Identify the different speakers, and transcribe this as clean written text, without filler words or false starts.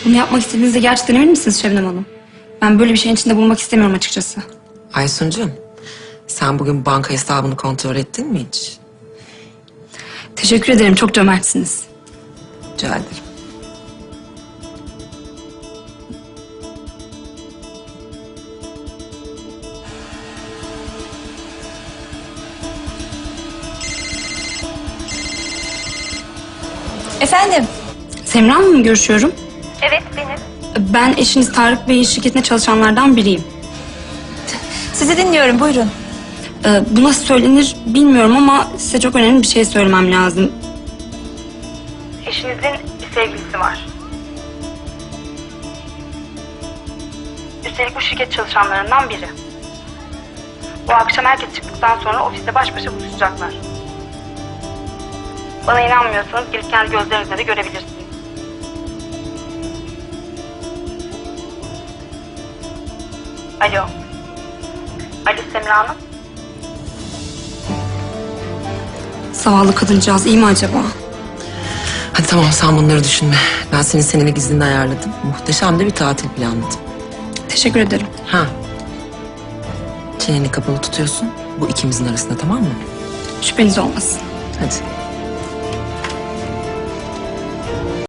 Speaker 1: Bunu yapmak istediğinizde gerçekten emin misiniz Şebnem Hanım? Ben böyle bir şeyin içinde bulunmak istemiyorum açıkçası.
Speaker 2: Aysuncuğum, sen bugün banka hesabını kontrol ettin mi hiç?
Speaker 1: Teşekkür ederim, çok cömertsiniz.
Speaker 2: Rica ederim.
Speaker 3: Efendim?
Speaker 1: Semra Hanım'la mı görüşüyorum?
Speaker 3: Evet, benim.
Speaker 1: Ben eşiniz Tarık Bey'in şirketine çalışanlardan biriyim.
Speaker 3: Sizi dinliyorum, buyurun.
Speaker 1: Bu nasıl söylenir bilmiyorum ama size çok önemli bir şey söylemem lazım. Eşinizin bir sevgilisi var. Üstelik bu şirket çalışanlarından biri. Bu akşam herkes çıktıktan sonra ofiste baş başa buluşacaklar. Bana inanmıyorsanız gelip kendi gözlerinizle de görebilirsiniz. Alo. Alo Semra Hanım. Zavallı kadıncağız iyi mi acaba?
Speaker 2: Hadi tamam, sen bunları düşünme. Ben senin senelik iznini ayarladım. Muhteşem de bir tatil planladım.
Speaker 1: Teşekkür ederim.
Speaker 2: Ha. Çeneni kapalı tutuyorsun. Bu ikimizin arasında, tamam mı?
Speaker 1: Şüpheniz olmasın.
Speaker 2: Hadi.